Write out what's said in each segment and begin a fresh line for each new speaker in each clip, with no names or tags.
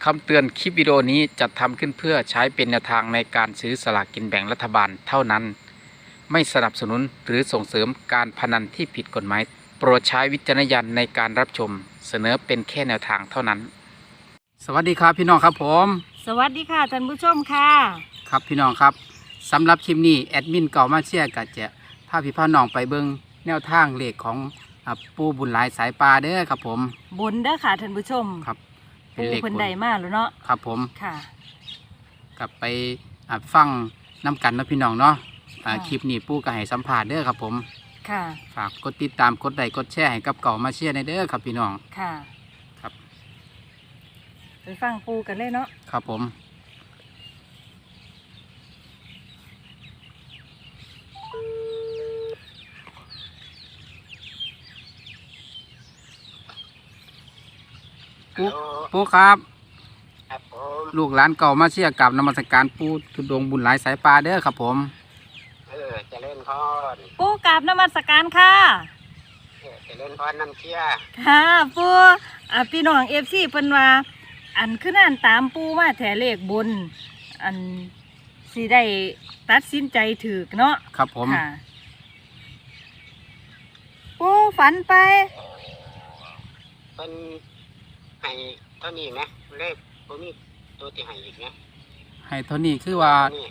คำเตือนคลิปวิดีโอนี้จัดทำขึ้นเพื่อใช้เป็นแนวทางในการซื้อสลากกินแบ่งรัฐบาลเท่านั้นไม่สนับสนุนหรือส่งเสริมการพนันที่ผิดกฎหมายโปรดใช้วิจารณญาณในการรับชมเสนอเป็นแค่แนวทางเท่านั้นสวัสดีครับพี่น้องครับผม
สวัสดีค่ะท่านผู้ชมค่ะ
ครับพี่น้องครับสำหรับคลิปนี้แอดมินเก่ามาเชียร์ก็จะพาพี่พ่อน้องไปเบิ่งแนวทางเลขของปูบุญหลายสายปลาเด้อครับผม
บุญเด้อค่ะท่านผู้ชม
ครับ
ปูเพิ่นใดมาแล้วเนาะ
ครับผม
ค่ะ
กลับไปฟังน้ำกันเนาะพี่น้องเนาะ
ค่ะ
คลิปนี้ปูก็ให้สัมภาษณ์เด้อครับผม
ค่ะ
ฝากกดติดตามกดไลค์กดแชร์ให้กับเก่ามาเชียร์ในเด้อครับพี่น้อง
ค่ะ
ครับ
ไปฟังปูกันเลยเนาะ
ครับผมปูครับ
ครับผม
ลูกหลานเก่ามาเชียร์กับนมัสการปูทุดงค์บุญหลายสายปลาเด้อครับผม
เจริญพร
ปูกราบนมัสการค่ะ
เจริญพรน้ำเชี่ย
ค่ะปูพี่น้องFCเพิ่นว่าอันคือนั่นตามปูมาแถเลขบุญอันสิได้ตัดสินใจถูกเนาะ
ครับผม
ค่ะปูฝันไป
เป็นให้เท่านี้ไหมเลขตัวนี้ตัวที่ให้อีกไหม
ให้เท่านี้คือว่า
นี่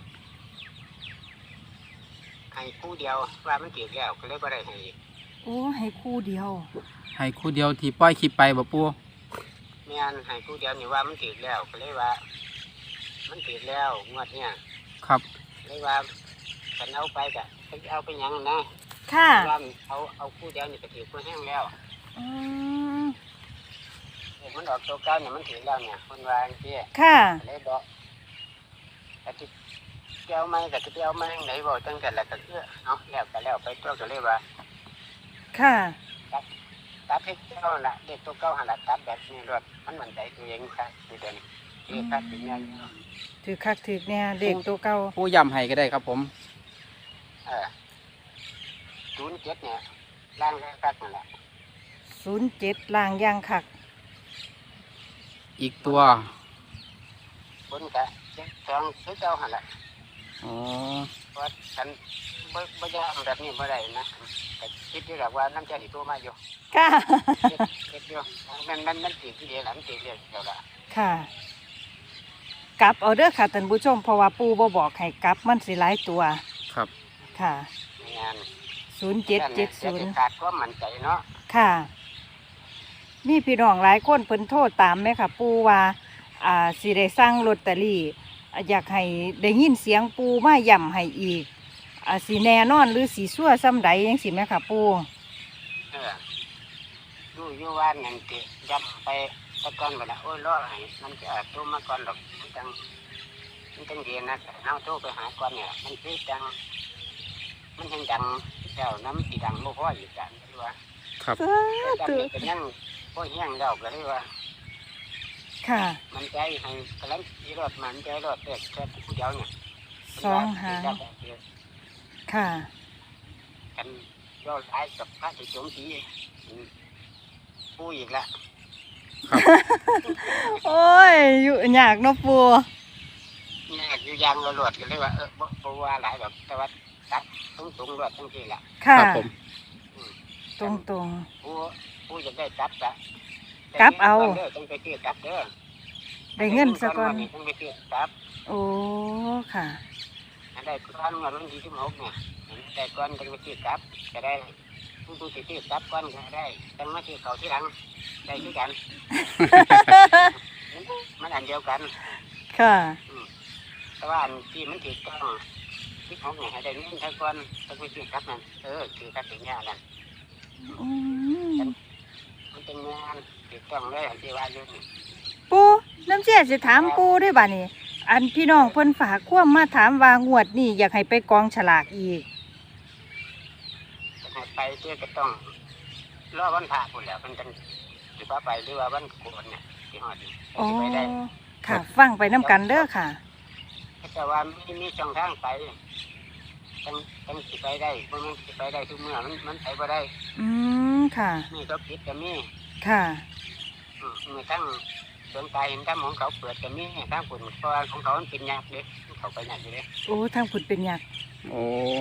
ให้คู่เดียวว่ามันเกี่ยวแล้วก็เลยบ่ได้ให้อีก
โอ้ให้คู่เดียว
ให้คู่เดียวที่ปล่อยคลิปไปบ่ปู
แม่นให้คู่เดียวนี่ว่ามันเกี่ยวแล้วก็เลยว่า มันเกี่ยวแล้วงวดเนี่ย
ครับ
เลยว่าฉันเอาไปกะไปเอาไปหยังนะ
ค่ะ
ว่าเอาคู่เดียวนี่ก็ถือคู่แห้งแล้ว
อืม
มันออกตัวเก้าเนี่ยมันถือแล้วเนี่ยคนวาจังซี่
ค่ะ
เลยบอกแต่ที่เจ้าไม่แต่ที่เจ้าไม่ไหนบอกตั้งแต่ละก็คือเอาแล้วก็แล้วไปตัวก็เลยว่า
ค่ะ
ตัดให้เจ้าละเด็กตัวเก้าหันละตัดแบบนี้รถมันเหมือนใจตัวเองครับคือเดินนี่ครับเป็นยัง
ถือคักถือเนี่ยเด็กตัวเก่า
ปูย้ำให้ก็ได้ครับผม
07เนี่ยร่างแรกครับนั่นแหละ
07ล่างย่างคัก
อีกตัว
บนกะ2คือเจ้าหันละ
อ๋อ
เพราะฉันบ่ยากแบบนี้บ่ได้นะแต่คิดอยู่แบบว่าน้ำใจที่ตัวมาอยู่
ค่ะ
คิดอยู่มันตีที่เดียวหลังตีเดียวเดียวละ
ค่ะ กลับเอาเด้อค่ะท่านผู้ชมเพราะว่าปูบ่บอกให้กลับมันสิหลายตัว
ครับ
ค่ะ
งาน
0770
ขาดความมั่นใจเนาะ
ค่ะ มีพี่น้องหลายคนเพิ่นโทษตามไหมค่ะ ปูว่าสิได้สั่งลอตเตอรี่อยากให้ได้ยินเสียงปูมาย่ำให้อีกสิแน่นอนหรือสิชั่วซ้ำใดจังสิแม่ค่ะ ปู
เออดูอยู่ว่านนั่นติยับไปตะกอนไปละโอ้ยรอให้มันจะโทรมาก่อนหรอกมันจังเดียนนะเอาโทรไปหาก่อนเนี่ยมันคือจังมันยังดังแล้วน้ำสีดังบ่พออยู่กันที่ว่า
ครับ
จังนี้ก็ยังบ่แห้งแล้วก็เลยว่า
ค่ะ
มันใจให้กำลังสีรถมันใจรถเด็กแค่ผู้เดียวเนี่ย
สองหาง ค่ะ
กันย่อท้ายกับพระสิจงสีผู้อีกละ
โอ้ยอยู่ยากเนาะปู
เนี่ยอยู่ยางเราหลวดกันเลยว่าบ่ว่าหลายแบบแต่ว่าตัดสูงหลวดทั้งทีละ
ค่ะ
ครับผม
ตรงตรง
ผู้จะได้จับจะ
กลับเอา
ต้องไปเที่ยวจับเด้อ
ๆได้เงินซะก่อน
ต้องไปเที่ยวจับ
โอ้ ค่ะ
อันได้ก้อนเงินวันที่16เนี่ยได้ก้อนต้องไปเที่ยวจับจะได้ผู้ที่เที่ยวจับก้อนก็ได้ต้องมาเที่ยวเขาที่หลังได้ด้วยกัน มันอันเดียวกัน
ค่ะ
แต่ว่าอันที่มันถือต้อง16เนี่ยให้ได้เงินทั้งก้อนต้องไปเที่ยวจับนั่นถือจับถึงเนี่ยนั่น
อืม
มันเป็นงานถูกต้องเลยอันที่ว่าอยู่นี่
ปูน้ำเชี่ยสิถามปูด้วยบ่านี่อันพี่น้องเพิ่นฝากความมาถามว่างวดนี่อยากให้ไปกองฉลากอีก
จะให้ไปเที่ยวก็ต้องรอวันพระพุ่นแหล้วมันจังสิว่าไปหรือว่าวันโกนเนี่ยที่ฮอดนี่
อ๋อ
สิไปได้
ค่ะ ฟังไปน้ำกันเด้อค่ะ
แต่ว่ามีช่องทางไปจังสิไปได้เพราะมันสิไปได้ทุกเมื่อมันไปบ่ได้
อืม ค่ะ
นี่ก็ผิดก็มี
ค่ะ
มีทั้งดวงตาเห็นถ้ำของเขาเปิดกันนี่ถ้ำคุณเพราะว่าของเขามันเป็นยักษ์เด็กเขาไปยักษ์อยู่เลย
โอ้ทางคุณเป็นยักษ์
โอ้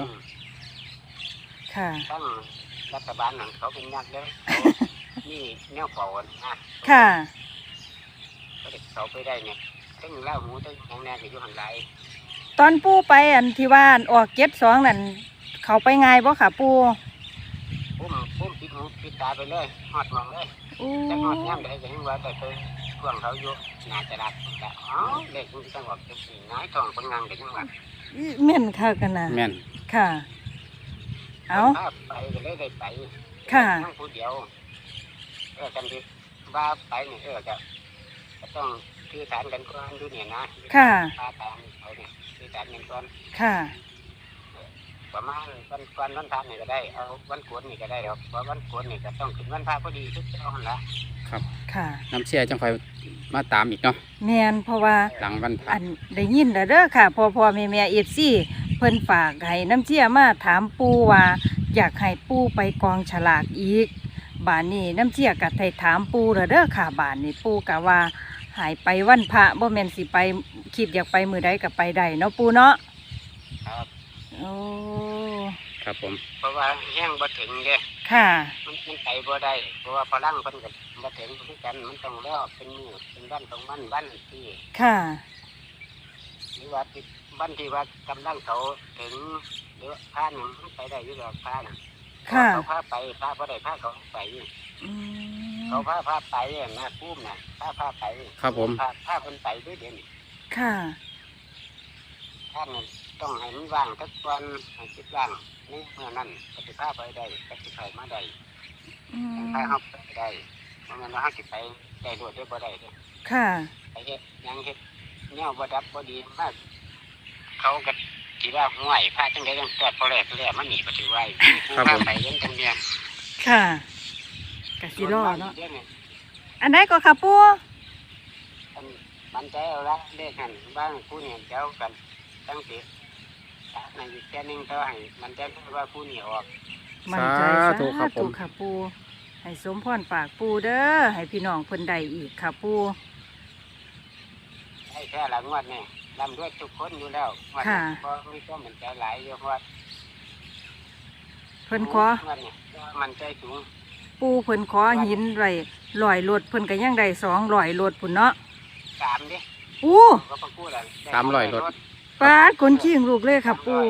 ค่ะ
ตั้งรัฐบาลหนังเขาเป็นยักษ์เด้นี่แนวเป่านะ
ค่ะ
ก็เด็กเขาไปได้เนี่ยตั้งเล่าหมูตั้งของแน่ก็อยู่หันไหล
ตอนปู่ไปอันที่ว่าอันออก72นั่นเขาไปง่ายบ่ค่ะปู่
ปุ้มปิดหูปิดตาไปเลยหอดมองเลย
โอ้
แต่หอดย่ำได้ก็ยังว่าแต่เคยช่วงเขาอยู่น่าจะรักแต่อ๋อเด็กมันต้องบอกจะสีน้อยทองปังงังกันยังว่า
แม่นค่ะกันนะ
แม่น
ค่ะ เอา
ถ้าไปก็เลยได้ไป
ค่ะ
นั่งผู้เดียวกันที่ว่าไปเนี่ยก็ต้องคือฐานกันก่อนดูเนี่ยนะ
ค่ะ
พาตามเขาเนี่ยคือฐานกันก่อน
ค่ะ
ประมาณวันก่อนวันพระนี่ก็ได้เอาวันโกนนี่ก็ได้ครับเพราะวันโกนนี่ก็ต้องขึ้นวันพระพอดีทุกเจ้าหันละ
ครับ
ค่ะ
น้ำเชี่ยจังคอยมาตามอีกเนาะ
แม่นเพราะว่า
หลังวันพระ
อันได้ยินแล้วเด้อค่ะพ่อแม่FCเพิ่นฝากให้น้ำเชี่ยมาถามปู่ว่าอยากให้ปู่ไปกองฉลากอีกบานนี้น้ำเชี่ยก็ได้ถามปู่แล้วเด้อค่ะบานนี้ปู่ก็ว่าหายไปวันพระบ่แม่นสิไปคิดอยากไปมื้อใดก็ไปได้เนาะปู่เนาะ
ครับ
โอ้
ครับผม
เพราะว่าแห้งบ่ถึงเด้
ค่ะ
มันไปบ่ได้เพราะว่าพลังเพิ่นก็บ่ถึงคือกันมันต้องรอเป็นมื้อเป็นวันของวันที่
ค่ะ
หรือว่าที่วันที่ว่ากำลังเขาถึงหรือพาหนึ่งไปได้อยู่หรอกพาน่ะ
ค่ะ
เขาพาไปพาบ่ได้พาเขาไป
อืม
เขาพาไปนะปุ้มน่ะพาไป
ครับผม
พาคนไปด้วยเดี๋ยวนี้
ค่ะ
ท่านต้องให้มันว่างทุกวันให้คิดว่างนี่เมื่อนั้นก็จะพาไปได้ก็จะไปมาได้
อืม
พาเขาไปได้เพราะงั้นเราเขาจะไปได้ด้วยได้บ่ได้เด้อ
ค่ะ
ไปเฮ็ดหยังเฮ็ดแนวบ่ดับบ่ดีมากเขาก็สิว่าห่วยพาจังได๋จังตอดพอแลกแล้วมันหนีบ่ถือไว้ผู้พาไปยังจังเนีย
ค่ะกะสิรอเนาะ
ดี๋ยวนี้
อันไหนก็ค่ะปู่
มันใจเอาละเลขนั้นบ้างผู้เนี่ยเจ้ากันตั้งสิในอีกแค่นึงก็ให้มันใจว่าผู้นี่ออก
มั่นใจ
สาธุครับผม
ค่ะปู่ให้สมพรปากปู่เด้อให้พี่น้องเพิ่นได้อีกค่ะปู่
ให้แค่หลังวัดเนี่ยลำด้วยทุกคนอยู่แล้ววัดนี้เพราะมีก็มันใจหลายอยู่เพราะว่า
เพิ่นขอ
วัดเนี่ยมันใจสูง
ปู่เพิ่นขอหินไว้100รถเพิ่นก็ยังได้200รถพุ่นเนาะ
3ดิ
อู้
ก็ประกู้แล้ว
300รถ
ปาดคนขี้งลูกเลยค่ะปู่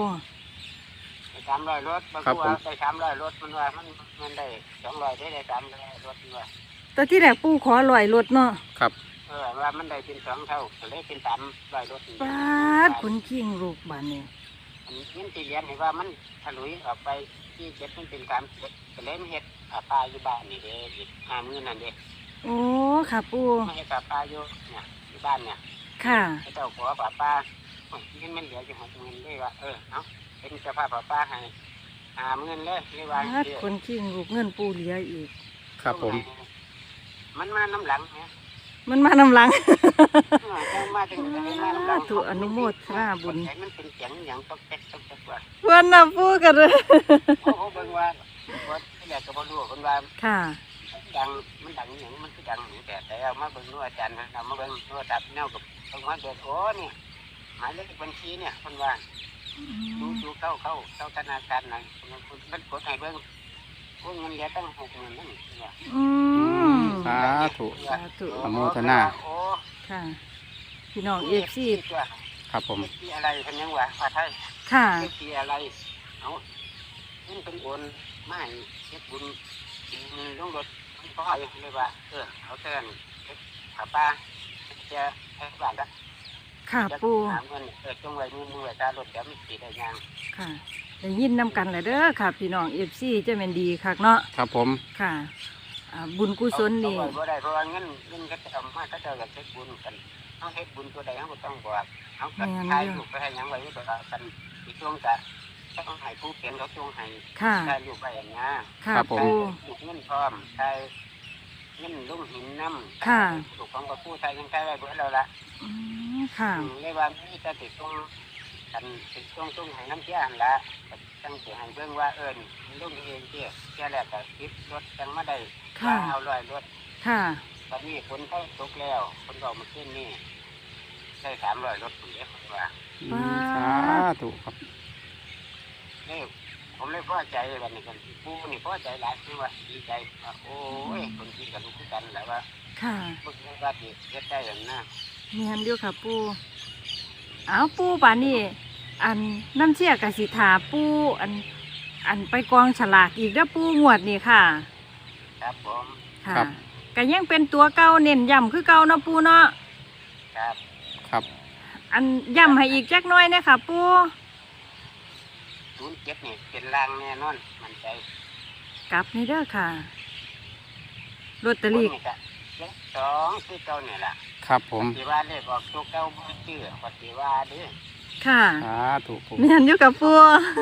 300รถประกู้ได้300รถมันว่ามันได้200ได้300รถมันว่า
แต่ที่แรกปู่ขอ100รถเนาะ
ครับ
ว่ามันได้เป็น2เท่าก็เลยเป็น300รถ
ปาดคนขี้งลูกบานนี้
มันที่เรียนเห็นว่ามันถลุยออกไปที่เจ็ดมันเป็น3ก็เลยมาเฮ็ดปลาอยู่บ้านนี่เด้อีก50,000นั่นเด้
โอ้ค่ะปู่
มาเฮ็ดปลาอยู่เนี่ยที่บ้านเนี่ย
ค่ะ
เจ้าขอปลาเงินมันเหลืออยู่60,000เลยว่าเอาเป็นเจ้าภาพปลาให้50,000เลยเลยว่า
ปาดคนขี้งลูกเงินปู่เหลืออีก
ครับผม
มันมาน้ำหลังเนี่ย
มันมานำหลัง
มาถึงมาน้ำหลัง
ถูกอนุโมทนาบุญ
มันเป็นเสียงอย่างตกแตกว่า
เพื่อนน่ะพูดกันเลย
โอ้โหเบิ่งว่าที่แรกก็บ่รู้คนว่า
ค่ะ
ดังมันดังอย่างมันคือดังแต่เอามาเบิ่งนู่นอาจารย์เอามาเบิ่งนู่นตัดแนวกับตรงว่าเด็กโอ้เนี่ยหมายเลขบัญชีเนี่ยคนว่าดูเข้าธนาคารไหนมันกดให้เบิ่งพวกเงินเหลือตั้ง60,000นั่นเนี่ย
อืม
สาธุ
สาธุ
อนุโมทนา
โอ้
ค่ะ พี่น้องเอฟซี
ครับผมที่อะไรพันยังวะว่าไทย
ค่ะ
ที่อะไรเอามันเป็นโอนไม่เฮ็ดบุญลงรถพ่อเลยว่าเอาเตือนขาป้าจะให้บ้านละ
ค่ะปู
หาเงินจงไว้มือไว้ตารถเดี๋ยวมันสีได้ยัง
ค่ะได้ยินนำกันเลยเด้อค่ะ พี่น้องเอฟซีจะเป็นดีคักเนาะ
ครับผม
ค่ะบุญกุศลนี่
เอาไว้บ่ได้เพราะว่าเงินก็จะเอามาก็จะอยากเฮ็ดบุญกันเอาเฮ็ดบุญตัวใดเขาก็ต้องบอกเอากระทายลูกไปให้ยังไว้ก็กันอีกช่วงจะต้องให้ผู้เขียนเขาช่วงให้
ค่ะ
ทายลูกไปอย่างนี้
ค่ะ
ครับผม
ปู
ลูกเงินพร้อมทายเงินลุ่มหินน้ำ
ค่ะ
ลูกของกระผู้ทายยังทายไว้เบิดแล้วล่ะ
อืมค่ะ
เรียกว่ามีแต่ติดตรงกันติดตรงให้น้ำเชี่ยหันละตั้งใจให้เบิ่งว่าลุ่มเองเชี่ยแรกก็คิดรถจังมาได้
ค่ะ
เอาลอยรถ
ค่ะ
ตอนนี้คนเข้าตกแล้วคนเรามาขึ้นนี่ได้300 รถผมเรียกว่า
สาธุครับ
นี่ผมเลยพอใจวันนี้กันปูนี่พอใจหลายคือว่าดีใจว่าโอ้ยคนกินกันรู้กันแหละว่า
ค่ะ
พวกนี้ว่าดีเฮ็ดได้อย่างน่ะ
เมียนอยู่ค่ะปูเอาปูป่านนี้อันน้ำเชี่ยกสิถาปูอันไปกองฉลากอีกเด้อปูงวดนี่ค่ะ
ครับผม
ค่ะ
ครับ
ก็ยังเป็นตัวเก่าเน้นย้ำคือเก่าเนาะปูเนาะ
ครับ
ครับ
อันย้ำให้อีกจักหน้อยเนยค่ะปู
07นี่เป็นรางแน่นอนมั่นใจ
กลับนี่เด้อค่ะลอตเตอรี่
คนนี่ก็เลข2คือเก่านี่ล่ะ
ครับผม
ปฏิว่าเลขออกตัวเก่าบ่ชื่อปฏิว่าเด้อ
ค่ะ
สาธุปู
เมียนอยู่กับปู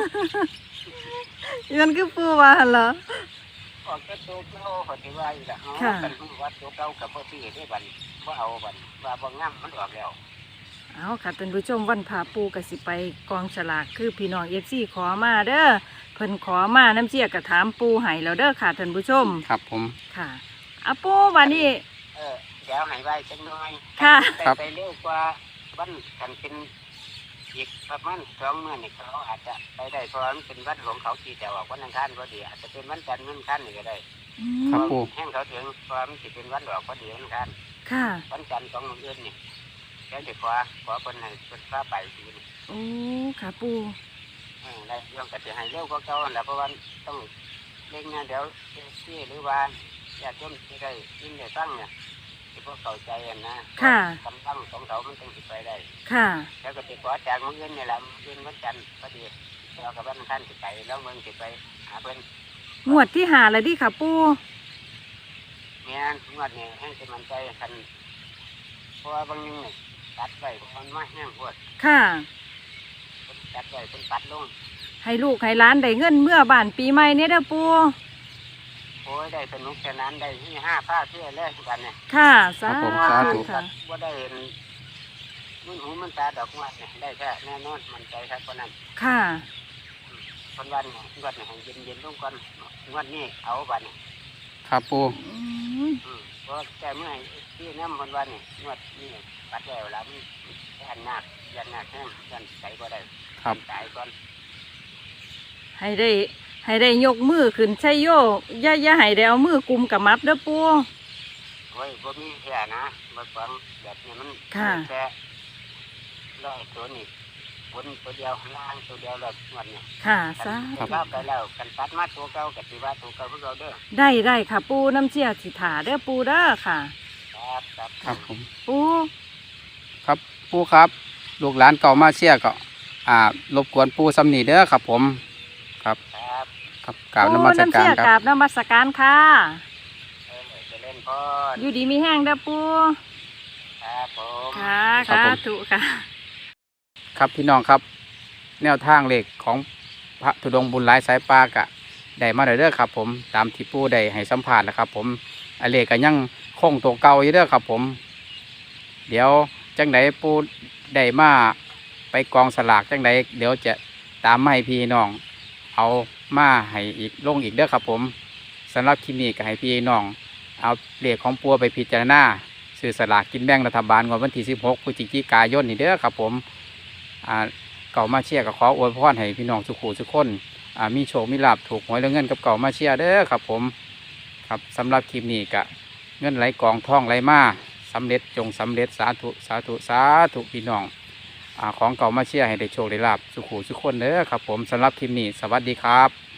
มันคือปูว่าหั่นเหรอ
ออกตัวเก่าปฏิว่าอีกล่ะอ๋อ
ค่ะ
กันรู้ว่าตัวเก่ากับบ่ชื่อได้บัดบ่เอาบัดว่าบ่งามมันออกแล้ว
เอาค่ะท่านผู้ชมวันพาปูกสิไปกองฉลากคือพี่น้องFCขอมาเด้อเพิ่นขอมาน้ำเชี่ยกระถามปูให้แล้วเด้อค่ะท่านผู้ชม
ครับผม
ค่ะอาปูวันนี้
เดี๋ยวให้ไว้จังน้อย
ค่ะ
ไปเร็วกว่าวันกันเป็นอีกประมาณ2 มื้อนี่เขาอาจจะไปได้เพราะมันเป็นวันของเขาที่จะออกวันอังคารพอดีอาจจะเป็นวันจันทร์วันอังคารนี่ก็ได้
ครับปู
แห้งเขาถึงเพราะมันสิเป็นวันออกพอดีวันอังคาร
ค่ะ
วันจันทร์ของมื้ออื่นนี่เดี๋ยวจะขอเพิ่นให้เพิ่นพาไปทีนี่
โอ้ค่ะปู
ได้เรื่องก็จะให้เร็วกว่าเก่านั่นแหละเพราะว่าต้องเร่งเนี่ยเดี๋ยวที่หรือว่าญาติโยมที่ได้ยินได้ฟังเนี่ยที่พวกเข้าใจกันนะ
ค่ะ
กำลังของเขามันต้องสิไปได้
ค่ะ
แล้วก็ติขอจากมื้ออื่นนี่แหละมื้ออื่นวันจันทร์พอดีเรากับวันอังคารสิไปแล้วเมืองสิไปหาเพิ่น
งวดที่หาแล้วดิค่ะปู
เนี่ยงวดนี้แห้งสิมันใจคันเพราะว่าบางนึงนี่ตัดไว้เพราะมันมาแห้งปวด
ค่ะ
เพิ่นตัดไว้เพิ่นปัดลง
ให้ลูกให้หล้านได้เงินเมื่อบ้านปีใหม่เนี่ยเด้อปู
โอ้ยได้สนุกสนานได้ที่5 ผ้าเสื้อเลยกันเนี่ย
ค่ะสา
ครับผม
ธุ
สาธุ
ค่ะ
ว่าได้เห็นมันหูมันตาดอกงวดเนี่ยได้แค่แน่นอนมันใจครับคนนั้น
ค่ะ
คนวันเนี่ยงวดเนี่ยให้เย็นๆลงก่อนงวดนี้เอาบัดเนี่ย
ครับปู
อืม
เพราะแต่เมื่อที่น้ำคนวันเนี่ยงวดนี้ปัดแล้วแล้วมันยันหนักแห้งยันใจก็ได้
ครับ
ตายก่อน
ให้ได้ยกมือขึ้นใช่โยอย่าให้ได้เอามือกุมกับมับเด้อปู
โอ้ยบ่มีแค่นะบ่ฟังแบบนี้มัน
ค่ะ
แค่ร้อยตัวนี่บนตัวเดียวล่างตัวเดียวแล้วงวดเนี่ย
ค่ะสา
คัน
ธุ
เก้าไปแล้วกันตัดมาตัวเก่ากับที่ว่าตัวเก่าพวกเราเด้อ
ได้ค่ะปูน้ำเชี่ยสิถาเด้อปูเด้อค่ะ
ครับ
ครับผม
ปู
ครับปูครับ ลูกหลานเก่ามาเชียร์ก็รบกวนปูสำนีเด้อครับผม ครับ
ครับ
ครับกราบนมัส
น้ำ
การ
เชี่ย
ค
กรา
รั
บบ นมัสการค่ะ
จะเล่นพอ
อยู่ดีมีแห้งเด้อปู
ครับผม
ค่ะ
ครับ
ค่ะ
ผม
ถูกค่ะ
ครับพี่น้องครับ แนวทางเลขของพระธุดงค์บุญหลายสายปากะได้มาเด้อครับผมตามที่ปูได้ให้สัมภาษณ์นะครับผมอันเลขก็ยังคงตัวเก่าอยู่เด้อครับผม เดี๋ยวจังไดปูได้มาไปกองสลากจังไดเดี๋ยวจะตามมาให้พี่น้องเอามาให้อีกลงอีกเด้อครับผมสำหรับคลิปนี้ก็ให้พี่น้องเอาเลขของปัวไปพิจารณาซื้อสลากกินแบ่งรัฐบาลงวดวันที่16 พฤศจิกายนนี่เด้อครับผมเก่ามาเชียร์ก็ขออวยพรให้พี่น้องสุขุสุขคนมีโชคมีลาภถูกหวยแล้วเงินกับเก่ามาเชียร์เด้อครับผมครับสำหรับคลิปนี้ก็เงินไหลกองท่องไหลมาสำเร็จจงสำเร็จสาธุสาธุสาธุพี่น้องของเก่ามาเชียร์ให้ได้โชคได้ลาภสุขุสุขคนเด้อครับผมสำหรับคลิปนี้สวัสดีครับ